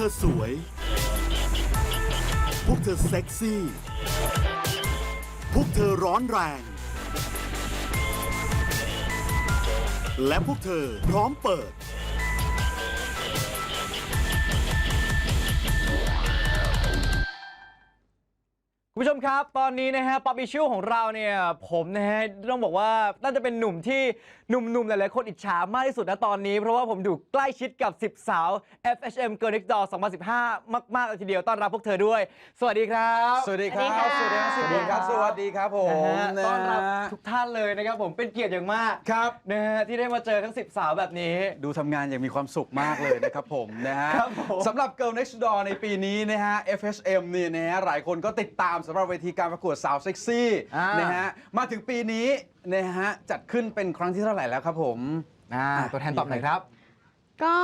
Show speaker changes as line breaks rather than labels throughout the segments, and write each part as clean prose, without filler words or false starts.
ธอสวยพวกเธอเซ็กซี่พวกเธอร้อนแรงและพวกเธอพร้อมเปิด
คุณผู้ชมครับตอนนี้นะฮะป๊อปอิชชูของเราเนี่ยผมนะฮะต้องบอกว่าน่าจะเป็นหนุ่มที่หนุ่มๆหลายๆคนอิจฉามากที่สุดนะตอนนี้เพราะว่าผมอยู่ใกล้ชิดกับ10สาว FHM Girl Next Door 2015 มากๆเลยทีเดียวต้อนรับพวกเธอด้วยสวัสดีครับ
สวัสดีครับ สวัสดีครับ สวัสดีครับ สวัสดีครับผม
ต้อนรับทุกท่านเลยนะครับผมเป็นเกียรติอย่างมาก
ครับ
นะฮะที่ได้มาเจอทั้ง10สาวแบบนี้
ดูทำงานอย่างมีความสุขมากเลยนะครับผมนะฮะสำหรับ Girl Next Door ในปีนี้นะฮะ FHM เนี่ยนะฮะหลายคนก็ติดตามสำหรับเวทีการประกวดสาวเซ็กซี่นะฮะมาถึงปีนี้นะฮะจัดขึ้นเป็นครั้งที่เท่าไหร่แล้วครับผม
ตัวแทนตอบหน่อยครับ
ก็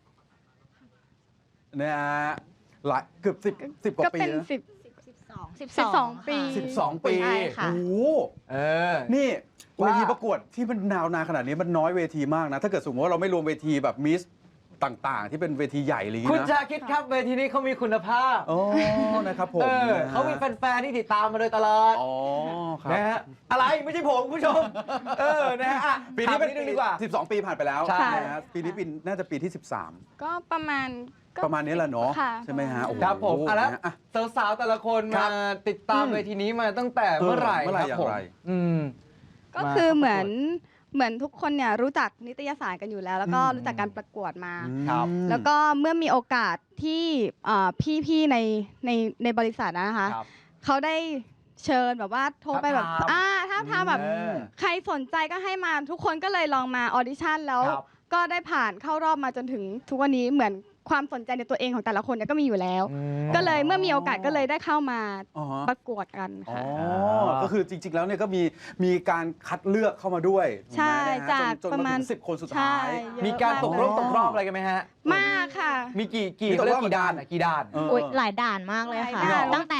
นะฮะหลายเกือบ10กว่าปี
เป็น
นะ
12 ปี
12 ปี
ใช่ค่ะ
โอ้โหนี่เวทีประกวดที่มันนาวนานขนาดนี้มันน้อยเวทีมากนะถ้าเกิดสมมติว่าเราไม่รวมเวทีแบบมิสต่างๆที่เป็นเวทีใหญ่อะไรอย่างนี้นะ
คุณชาคิดครับเวทีนี้เขามีคุณภาพ
อ๋อนะครับผม
เขามีแฟนๆที่ติดตามมาโดยตลอด
อ๋อครับ
นะฮะอะไรไม่ใช่ผมคุณผู้ชมนะฮะ
ปีนี้เป็น
นิดนึงดีกว่า
12 ปีผ่านไปแล้ว
ใช่
นะฮะปีนี้น่าจะปีที่13
ก็ประมาณ
นี้แหละเนาะ
ค่ะ
ใช่ไหมฮะ
ครับผมแล้ว
นะ
สาวๆแต่ละคนมาติดตามเวทีนี้มาตั้งแต่เมื่อไหร่ครับผม
ก็คือเหมือนทุกคนเนี่ยรู้จักนิตยสารกันอยู่แล้ว แล้วก็รู้จักการประกวดมา
ครับ
แล้วก็เมื่อมีโอกาสที่พี่ๆในบริษัทนะคะเขาได้เชิญแบบว่าโทรไปแบบถ้าทำแบบใครสนใจก็ให้มาทุกคนก็เลยลองมาออดิชั่นแล้วก็ได้ผ่านเข้ารอบมาจนถึงทุกวันนี้เหมือนความสนใจในตัวเองของแต่ละคนเนี่ยก็มีอยู่แล้วก็เลยเมื่อมีโอกาสก็เลยได้เข้ามาประกวดกันค่ะ
ก็คือจริงๆแล้วเนี่ยก็มีการคัดเลือกเข้ามาด้วย
ใช่จากประมาณ
10 คนสุดท้าย
มีการตกรอบอะไรกันไหมฮะ
มากค่ะ
มีกี่ด่าน
หลายด่านมากเลยค่ะตั้งแต่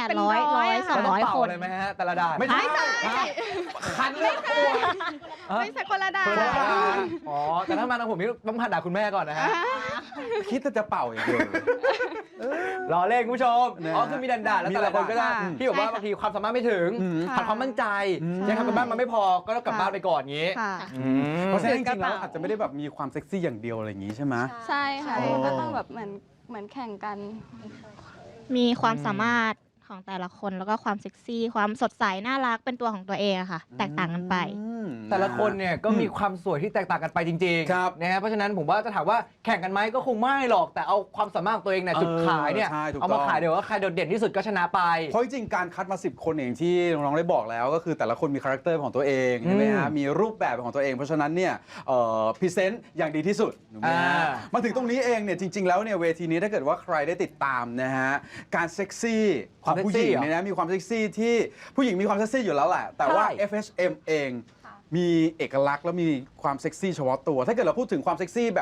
100 200 คน
เลยไหมฮะแต่ละด่าน
ไม่ใช่
คันเลือกตัว
ไม่ใช่คนละด่าน
อ๋อแต่ถ้ามาทางผมนี่ต้องผ่านด่านคุณแม่ก่อนนะฮะ
คิดจะเป่าอย่างเดียว
รอเล่นคุณผู้ชมคือมีด่านแล้วแต่ละคนก็ได้ที่บอกว่าบางทีความสามารถไม่ถึงขาดความมั่นใจยังทำกันบ้านมันไม่พอก็ต้องกลับบ้านไปก่อนงี้
เพราะฉะนั้นจริงๆแล้วอาจจะไม่ได้แบบมีความเซ็กซี่อย่างเดียวอะไรอย่างนี้ใช่ไหม
ใช่ค่ะก็ต้องแบบเหมือนแข่งกัน
มีความสามารถของแต่ละคนแล้วก็ความเซ็กซี่ความสดใสน่ารักเป็นตัวของตัวเองอะค่ะแตกต่างกันไป
แต่ละคนเนี่ยก็มีความสวยที่แตกต่างกันไปจริงๆนะฮะเพราะฉะนั้นผมว่าจะถามว่าแข่งกันไหมก็คงไม่หรอกแต่เอาความสามารถของตัวเองเนี่ยจุดขายเนี่ยเอามาขายเดี๋ยวว่าใครโดดเด่นที่สุดก็ชนะไป
เพราะจริงๆการคัดมา10 คนเองที่น้องๆได้บอกแล้วก็คือแต่ละคนมีคาแรคเตอร์ของตัวเองใช่ไหมฮะมีรูปแบบของตัวเองเพราะฉะนั้นเนี่ยพรีเซนต์อย่างดีที่สุดมาถึงตรงนี้เองเนี่ยจริงๆแล้วเนี่ยเวทีนี้ถ้าเกิดว่าใครได้ติดตามนะฮะการเซ็กซี่ความผู้หญิงเนี่ยนะมีความเซ็กซี่ที่ผู้หญิงมีความเซ็กซี่อยู่แล้วแหละแต่ว่า FHM เองมีเอกลักษณ์และมีความเซ็กซี่เฉพาะตัวถ้าเกิดเราพูดถึงความเซ็กซี่แบบ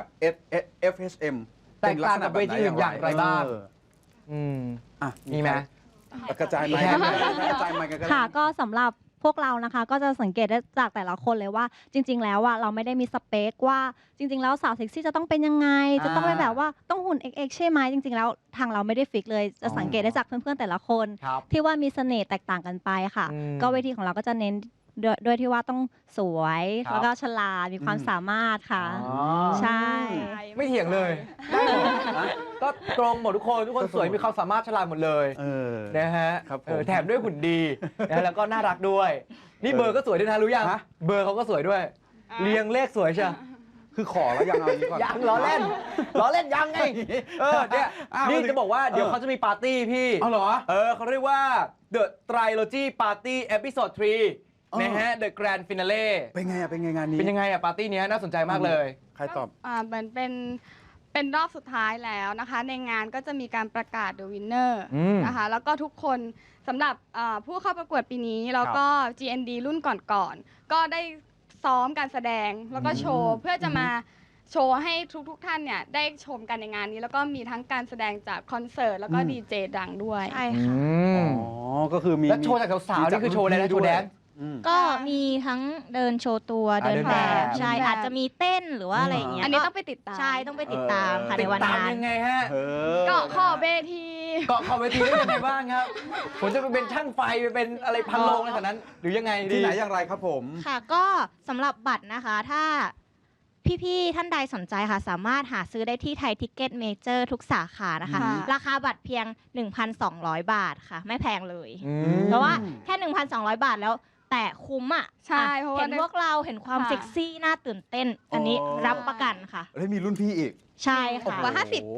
FHM
แตกต่างกับเวทีอื่นอย่างไรบ้างมีไหม
กระจายไมค์กระจายไมค์กัน
ค่ะก็สำหรับพวกเรานะคะก็จะสังเกตได้จากแต่ละคนเลยว่าจริงๆแล้วอะเราไม่ได้มีสเปคว่าจริงๆแล้วสาวเซ็กซี่จะต้องเป็นยังไงจะต้องเป็นแบบว่าต้องหุ่น XX ใช่ไหมจริงๆแล้วทางเราไม่ได้ฟิกเลยจะสังเกตได้จากเพื่อนๆแต่ละคนที่ว่ามีเสน่ห์แตกต่างกันไปค่ะก็เวทีของเราก็จะเน้นด้วยที่ว่าต้องสวยแล้วก็ฉลาดมีความสามารถค่ะใช่
ไม่เถียงเลยก็ตรงหมดทุกคนสวยมีความสามารถฉลาดหมดเลยนะฮะแถมด้วยหุ่นดีแล้วก็น่ารักด้วยนี่เบอร์ก็สวยด้วยนะรู้ยังเบอร์เขาก็สวยด้วยเรียงเลขสวยใช่
คือขอแล้วยังเอานี้ก่อน
ยังล้อเล่นยังไงเนี่ยนี่จะบอกว่าเดี๋ยวเขาจะมีปาร์ตี้พี่
เหรอ
เขาเรียกว่า The Trilogy Party Episode 3นะฮะ The Grand Finale
เป็นไงงานนี้
เป็นยังไงปาร์ตี้นี้น่าสนใจมากเลย
ใครตอบ
เหมือนเป็นรอบสุดท้ายแล้วนะคะในงานก็จะมีการประกาศ The Winner นะคะแล้วก็ทุกคนสำหรับผู้เข้าประกวดปีนี้แล้วก็ GND รุ่นก่อนๆก็ได้ซ้อมการแสดงแล้วก็โชว์เพื่อจะมาโชว์ให้ทุกท่านเนี่ยได้ชมกันในงานนี้แล้วก็มีทั้งการแสดงจากคอนเสิร์ตแล้วก็ดีเจดังด้วย
ใช่ค่ะ
อ๋อ
ก็คือมี
แล้วโชว์จากสาวๆนี่คือโชว์อะไรนะโชว์แดน
ก็มีทั้งเดินโชว์ตัวเดินแบบ ใช่ อาจจะมีเต้นหรือว่าอะไรอย่างเงี้ย
อันนี้ต้องไปติดตาม
ใช่ต้องไปติดตามค่ะในวัน
ติดตาม
นั้น
ยังไงฮะ
เกาะขอบเวที
เกาะขอบเวทีได้ยังไงบ้างครับ ผมจะไปเป็นช่างไฟไปเป็นอะไรพันโลงอะไรแบบนั้น หรือยังไงดี
ที่ไหนอย่างไรครับผม
ค่ะก็สำหรับบัตรนะคะถ้าพี่ๆท่านใดสนใจค่ะ สามารถหาซื้อได้ที่ไทยทิกเก็ตเมเจอร์ทุกสาขานะคะ
ค่ะ
ราคาบัตรเพียง 1,200 บาทค่ะ ไม่แพงเลย
อืม
เพราะว่าแค่ 1,200 บาทแล้วแต่คุ้มอ่ะ
ใช่เพราะว่า
เห็นพวกเราเห็นความ
ค่ะ
เซ็กซี่น่าตื่นเต้น อันนี้
อ๋อ
รับประกันค่ะ
แล้วมีรุ่นพี่อีก
ใช่ค่ะ
กว่า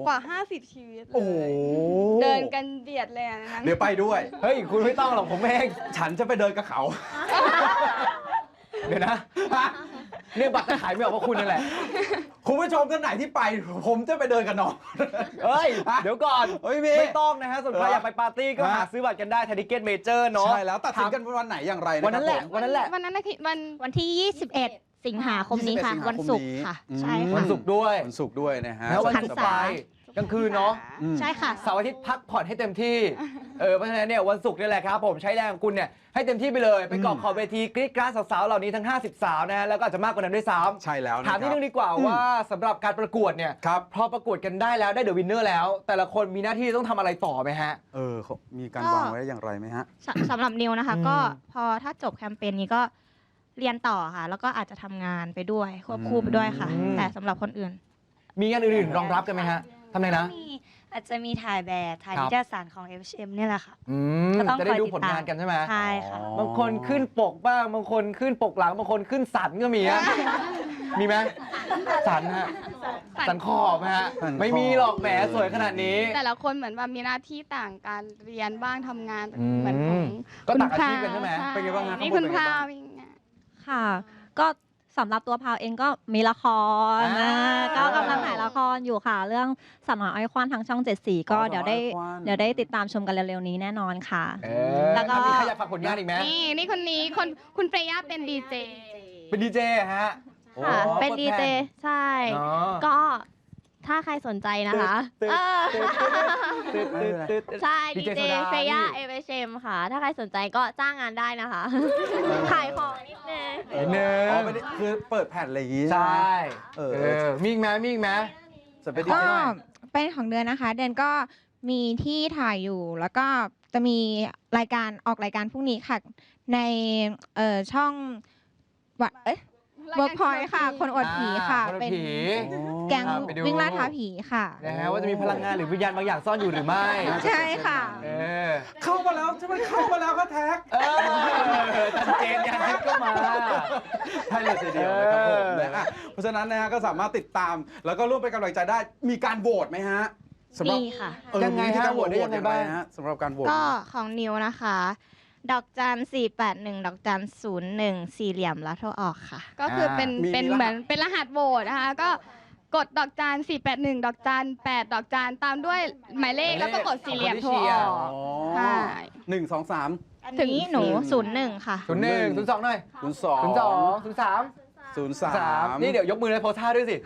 50ชีวิตเล
โอ้โห
ยเดินกันเบียดเลยอันนั้น
เดี๋ยวไปด้วย
เฮ้ย คุณไม่ต้องหรอกผมเอง
ฉันจะไปเดินกับเขา
เดี๋ยวนะเนี่ยบัตรจะขายไม่ออกเพราะคุณนั่นแหละ
คุณผู้ชมท่านไหนที่ไป ผมจะไปเดินกับน้อง
เฮ้ย เดี๋ยวก่อน
เฮ้ยมี
ไม่ต้องนะฮะส่วนใคร
เหรอ
อยากไปปาร์ตี้ก็
ฮะ
หาซื้อบัตรกันได้ไทยทิเก็ตเมเจอร์เนาะ
ใช่แล้วตัดสินกันวันไหนอย่างไรนะ
วันนั้นแหละ
ครับผม
วันนั้นแหละ
วันนั้นนะคือวัน
วันที่ 21 สิงหาคมนี้ค่ะ
21
วันศุกร์ค่ะ
อืม
ใช่
วั
ค่ะ
นศุกร์ด้วย
วันศุกร์ด้วยนะฮะ
แล้ววัน
หัน
ศุกร์
ษา
ไปกลางคืนเนาะ
อืม
ใช่ค่ะ
เสาร์อาทิตย์พักผ่อนให้เต็มที่ เพราะฉะนั้นเนี่ยวันศุกร์นี่แหละครับผมใช้แรงของคุณเนี่ยให้เต็มที่ไปเลย ไปเกาะขอบเวทีกรี๊ดกราดสาวๆเหล่านี้ทั้ง 50 สาวนะฮะแล้วก็อาจจะมากกว่านั้นด้วยซ้ำ
ใช่แล้วนะ
ถามนิดนึงดีกว่าว่าสำหรับการประกวดเนี่ย
ครับ
พอประกวดกันได้แล้วได้เดอะวินเนอร์แล้ว แต่ละคนมีหน้าที่ต้องทำอะไรต่อไหมฮะ
เขามีการ
ก็
วางไว้อย่างไรไหมฮะ
สำหรับนิวนะคะ
อืม
ก็พอถ้าจบแคมเปญนี้ก็เรียนต่อค่ะ แล้วก็อาจจะทำงานไปด้วยควบคู่ไปด้วยค่ะ แต่สำหรับคนอื่น
มีงานอื่นๆรองรับกันไหมฮะทำไงนะ
อาจจะมีถ่ายแบบถ่าย
ครับ
นิตยสารของ FHM เนี่ยแหละค่ะ
อืม
ก็ต้อง
จะได้
คอย
ดู
ติด
ผล
ตาม
งานกันใช่ไหม
ใช่ค่ะ
บางคนขึ้นปกบ้างบางคนขึ้นปกหลังบางคนขึ้นสันก็มีฮะ มีไหมสันฮะสันขอบฮะ
สันขอบ
ไม่มีหรอกแหมสวยขนาดนี้
แต่ละคนเหมือนแบบมีหน้าที่ต่างกันเรียนบ้างทำงาน
อืม
เหมือนของ
ก็
คุณ
ต่างอาชีพกันใช่ไหม
เป็นไงบ้างฮะ
นี่
ข้างบน
คุณ
เป็นไง
พา
บ้าง
วิ่งอะ
ค่ะ ก็สำหรับตัวพาวเองก็มีละคร
อ่า
ก็กำลังถ่ายละครอยู่ค่ะ เรื่องสาวน้อยอ้อยควานทางช่อง 7 สีก็
อ๋อ
เดี๋ยวได้
สาวน้อยอ้อยควาน
เดี๋ยวได้ติดตามชมกันเร็วๆนี้แน่นอนค่ะ แล้วก็
มีใครอยากฝากผลงานอีกไหม
นี่คนนี้คุณเปรย่าเป็นดีเจ
เป็นดีเจฮะ
ค่ะ
โอ้
เป็น
กด
ดี
แท
เจ
น
ใช่
อ๋อ
ก็ถ้าใครสนใจนะคะ
ตึ๊ด
เออ
ตึ๊ดตึ๊ดตึ๊ดตึ๊ด
ใช่
ดี
ดี
เจ
เจ
โซดา
เฟย่า
นี่
FHM ค่ะ ถ้าใครสนใจก็จ้างงานได้นะคะ ขายของนิดนึง
นิดนึง
อ๋อไม่ได้คือเปิดแผ่นอะไรอย่างงี้
ใช่
เออ
มีอีกไหมมีอีกไหม
จะเป็นดี
ก็
เจ
เป็นของเดือนนะคะ เดือนก็มีที่ถ่ายอยู่ แล้วก็จะมีรายการออกรายการพรุ่งนี้ค่ะ ในช่องวะเวิร์กพอยต์ค่ะ คนอวดผีค่ะ
คนอวด
เป็น
ผี
แก๊ง
ไปดู
วิ่งล่าท้าผีค่ะ
นะฮะว่าจะมีพลังงานหรือวิญญาณบางอย่างซ่อนอยู่หรือไม่
ใช่ค่ะ
เออ
เข้ามาแล้วใช่ไหมเข้ามาแล้วก็แท็ก
จันเจนยังก็มา
ใช่เลยทีเดียวนะครับผม
เออ
นะฮะเพราะฉะนั้นนะฮะก็สามารถติดตาม แล้วก็ร่วมเป็นกำลังใจได้ มีการโหวตไหมฮะสำหรับ
มีค่ะ
ยังไงฮะโหวตได้ยังไงบ้าง
ฮะสำหรับการโหวต
ก็ของนิวนะคะ ดอกจัน481 ดอกจัน01 สี่เหลี่ยมแล้วโทรออกค่ะ
ก็คือเป็น
มี
เป็น
มีรหัส
เหมือนเป็นรหัสโหวตนะคะ ก็กดดอกจัน481 ดอกจัน8 ดอกจันตามด้วยหมายเลขแล้วก็กดสี่เหลี่ยมโทรออก ใช่
1 2 3
อันนี้หนู01 ค่ะ
01 02หน่อย
0 2
02 03
0
3
3
นี่เดี๋ยวยกมือเลยโพสท่าด้วยสิ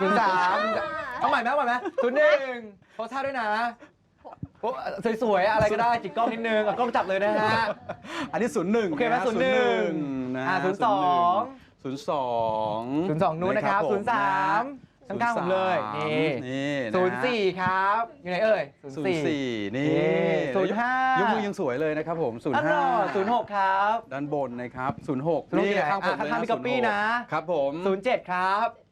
03เอาใหม่ไหมเอาใหม่ไหม01โพสท่าด้วยนะโอ้สวยๆ อะไรก็ได้จิกกล้องนิดนึงเอากล้องจับเลยนะฮะ
อันนี้01
โอเคไหม
นะ
01
นะ
02
02
02 นู้นนะครับ 03 ข้างๆผมเลย นี่
นี่นะ
04 ครับ อยู่ไหนเอ่ย
04 นี่
05
ยกมือยังสวยเลยนะครับผม
อันนอ
05
06 ครับ
ด้านบนนะครับ 06
06
นี่
ที่ไหน
ข้างผมเลย
ข้างๆพี่ก๊อปปี้นะ
ครับผม
07 ครับ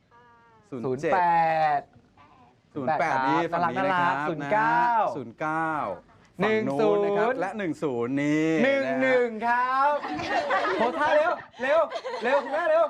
07
08
08 นี่ฝั่งนี้นะครับ
09
09ฝั่งนู้นนะครับ และ 10 นี่นะฮะ
11 ครับโพสท่าเร็ว เร็ว เร็วคุณแม่เร็ว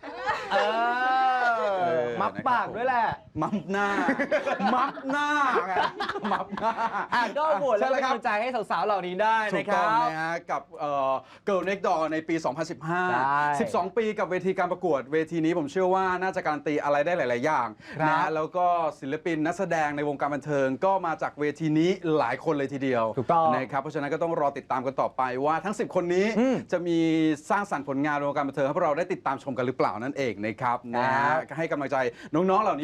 มับปากด้วยแหละ
มับหน้า มับหน้าไงมับหน้า
ก็โหวตแล้ว
ใช่
เป็น
ครั
กำลังใจให้สาวๆเหล่านี้ได้
ถู
นะ
ก
ค
ต้
รั
อง
บ
นะฮะกับGirl Next Door ในปี
ใช่
2015 12 ปีกับเวทีการประกวดเวทีนี้ผมเชื่อว่าน่าจะการันตีอะไรได้หลาย ๆ อย่าง
ครับ
นะแล้วก็ศิลปินนักแสดงในวงการบันเทิงก็มาจากเวทีนี้หลายคนเลยทีเดียว
ถูกต้อง
นะครับเพราะฉะนั้นก็ต้องรอติดตามกันต่อไปว่าทั้ง 10 คนนี้
อืม
จะมีสร้างสรรค์ผลงานในวงการบันเทิงให้พวกเราได้ติดตามชมกันหรือเปล่านั่นเองนะครับนะ
ครั
ฮะ
บ
ให้กำลังใจน้อง ๆ เหล่านี้ด้วยนะ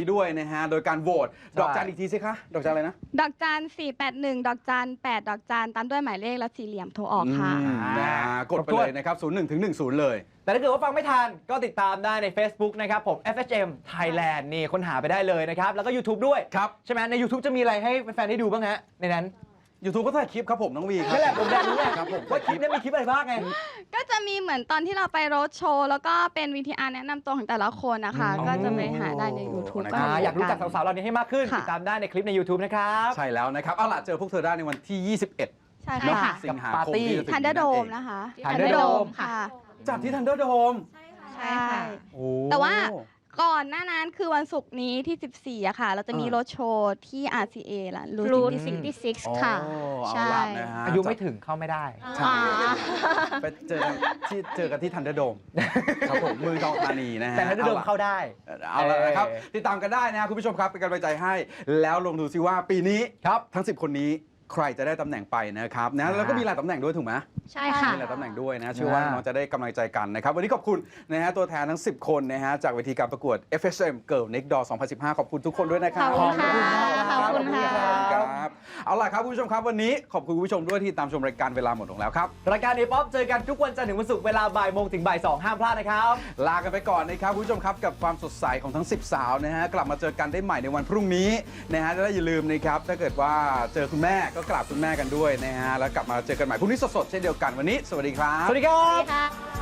นะฮะโดยการโหวตดอกจันอีกทีสิคะดอกจันอะไรนะ
ดอกจัน481 ดอกจัน8 ดอกจันตามด้วยหมายเลขและสี่เหลี่ยมโทรออกค่ะ
นะฮะกดไปเลยนะครับ01 ถึง 10 เลย
แต่ถ้าเกิดว่าฟังไม่ทันก็ติดตามได้ใน Facebook นะครับผม FHM Thailand นี่ค้นหาไปได้เลยนะครับ แล้วก็ YouTube ด้วย
ครับ
ใช่ไหมใน YouTube จะมีอะไรให้แฟนๆได้ดูบ้างฮะในนั้น
YouTube ก็ถ่ายคลิปครับผมน้องวีครับ
นั่นแหละผมอยากรู้ไง
ครับผม
ว่าคลิปเนี้มีคลิปอะไรบ้างไง
ก็จะมีเหมือนตอนที่เราไปโรดโชว์แล้วก็เป็น VTR แนะนำตัวของแต่ละคนนะคะ ก็จะไปหาได้ใน YouTube ก็
อยากรู้จักสาวๆเหล่านี้ให้มากขึ้น
ค่ะ
ติดตามได้ในคลิปใน YouTube นะครับ
ใช่แล้วนะครับเอาล่ะเจอพวกเธอได้ในวันที่ 21
ใช่
เนอะ
ค่ะ
สิงหาคมที่จะถึง
ทันเดอร์โดม
เอง
นะคะ
Thunderdome
ค่ะ
จัดที่ Thunderdome
ใช่ค่ะ
โอ้
แต่ว่าก่อนหน้านั้นคือวันศุกร์นี้ที่ 14อะค่ะ เราจะมีโรดโชว์ที่ RCA ล่ะ
รูท
Route
66 ค่ะ
เอา
ใช่
ล่ะนะฮะ
อายุไม่ถึงเข้าไม่ได้
ใช่ไปเจอกันที่ Thunderdome ครับผมเมืองทองธานีนะฮะ
แต่ถ้าเดิมเข้าได้
เอาละนะครับ
เออ
ติดตามกันได้นะครับคุณผู้ชมครับเป็นกำลังใจให้แล้วลองดูซิว่าปีนี้
ครับ
ทั้ง 10 คนนี้ใครจะได้ตำแหน่งไปนะครับนะแล้วก็มีหลายตำแหน่งด้วยถูกไหม
ใช่ค่ะ
มีหลายตำแหน่งด้วยนะเชื่อว่าน้องจะได้กำลังใจกันนะครับวันนี้ขอบคุณนะฮะตัวแทนทั้ง 10 คนนะฮะจากเวทีการประกวด FHM Girl Next Door 2015 ขอบคุณทุกคนด้วยนะครับ
ขอบคุณค่ะขอบคุณค่ะ
ครับเอาล่ะครับคุณผู้ชมครับวันนี้ขอบคุณคุณผู้ชมด้วยที่ตามชมรายการเวลาหมดลงแล้วครับ
รายการ A-POP เจอกันทุกวันจันทร์ถึงวันศุกร์เวลาบ่ายโมงถึงบ่าย2ห้ามพลาดนะครับ
ลากันไปก่อนนะครับคุณผู้ชมครับกับความสดใสของทั้ง 10 สาวนะฮะกลับมาเจอกันได้ใหม่ในวันพรุ่งนี้นะฮะและอย่าลืมนะครับถ้าเกิดว่าเจอคุณแม่ก็กราบคุณแม่กันด้วยนะฮะแล้วกลับมาเจอกันใหม่พรุ่งนี้สดๆเช่นเดียวกันวันนี้สวัสดีครับ
สวัสดีครับ
ค่ะ